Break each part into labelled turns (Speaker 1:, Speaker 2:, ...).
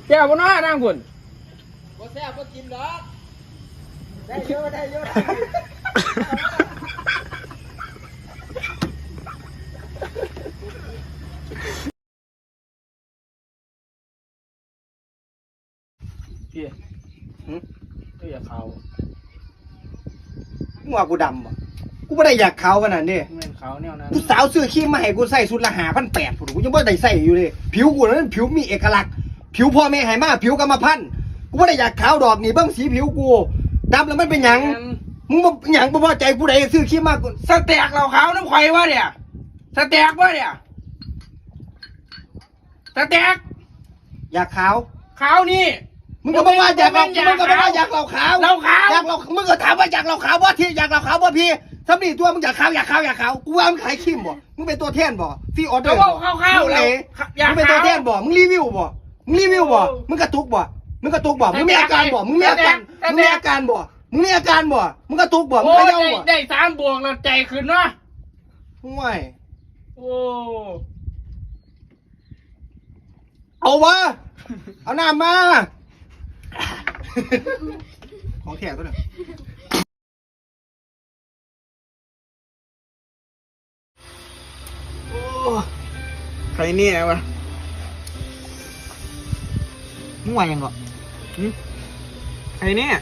Speaker 1: แก้วบ่น้อนั่งคุณ
Speaker 2: บ่แซ่บบ่กินดอกได้เยอะได้เยอะ
Speaker 1: พี่ตัวอยากเขา
Speaker 2: มึงว่ากูดำบ่กูไม่ได้อยากขาวขนาดนี้
Speaker 1: แม่นเขาแนวนั้น
Speaker 2: กูสาวซื้อครีมมาให้กูใส่สุดละ5,800พุ่นกูยังไม่ได้ใส่อยู่เลยผิวกูนั้นผิวมีเอกลักษณ์ผิวพ่อแม่ให้มาผิวกรรมพันธุ์กูไม่ได้อยากขาวดอกนี่เบิ่งสีผิวกูดำแล้วมันเป็นหยังมึงบ่หยังบ่พอใจกูได้ซื้อครีมมากู
Speaker 1: สแต็กเราขาวน้ำข่อยวะเนี่ยสแต็กวะเนี่ยสแต็ก
Speaker 2: อยากขาว
Speaker 1: นี่
Speaker 2: มึงก็บอกว่าอยากเรามึงก็บอกว่าอยากเราขาวอยากเรามึงก็ถามว่าอยากเราขาวว่าที่อยากเราขาวว่าพี่สำนีตัวมึงอยากขาวกูว่ามึงขายครีมบ่มึงเป็นตัวแทนบ่ฟรีออเดอร์
Speaker 1: มึง
Speaker 2: เลยมึงเป็นตัวแทนบ่มึงรีวิวบ่มึงกระตุกบ่มึงมีอาการบ่มึงมีอาการบ่มึงกระตุกบ่มึงเขย่าบ่
Speaker 1: ได้3 บวกแล้วใจขึ้นเนาะ
Speaker 2: ห่วย
Speaker 1: โอ้
Speaker 2: เอาวะเอาน้ำมาของแท้ตัวเนี่ย
Speaker 1: ใครเนี่ยวะ
Speaker 2: มึงว่ายังก่อน
Speaker 1: ใครเนี่ย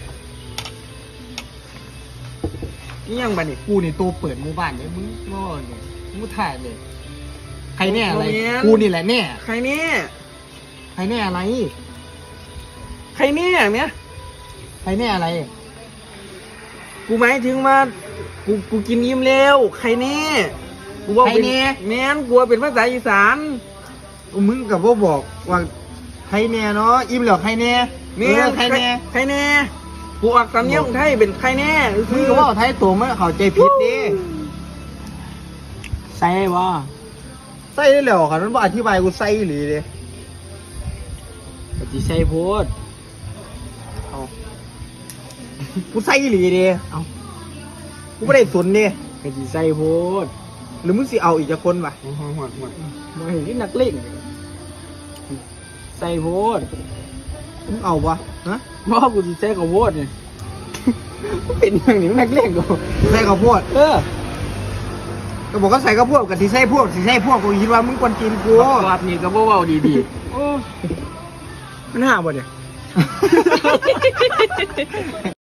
Speaker 1: นี่ยังบัดนี่
Speaker 2: กูนี่ตัวเปิดหมู่บ้านเลยมึงโง่เลยมึงถ่ายเลยใครแน่อะไรกูนี่แหละแน่
Speaker 1: ใครเนี่ย
Speaker 2: ใครแน่อะไร
Speaker 1: ใครเนี่ยเนี่ย
Speaker 2: ใครแน่อะไร
Speaker 1: กูหมายถึงว่ากูกินยิ้มแล้วใครเนี่ยกูว่าเป็นแม่นกูเป็นภาษาอีสาน
Speaker 2: มึงกับว่าบอกว่าใครแน่เนาะอิ่มเหรอใครแน่
Speaker 1: แม่ใครแน่กูออกสำเนียงไทยเป็นใครแน่
Speaker 2: มึงก็ว่าไทยตัวไม่เข้าใจผิดดิ
Speaker 1: ใส่บ่
Speaker 2: ใส่ได้แล้วค่ะนั้นว่าอธิบายกูใส่หรือเลย
Speaker 1: ปฏิใส่โพด
Speaker 2: เอากูใส่หรือดิเอากูไม่ได้สนดิ
Speaker 1: ปฏิใส่โพด
Speaker 2: หรือมึงสิเอาอีกจะคนวะ
Speaker 1: หมดมาเห็นที่นักเล่นใส่โพด
Speaker 2: มึงเอาปะฮะ
Speaker 1: ว่ากูจะใส่ข้าวโพดเนี่ยเป็นอย่างนี้นักเล่นกู
Speaker 2: ใส่ข้าวโพดก็บอกก็ใส่ข้าวโพดกับที่ใส่พวกกูคิดว่ามึงควรกินกู
Speaker 1: รับนี่ก็บ่เว้าดีๆมันหาบ่เนี่ย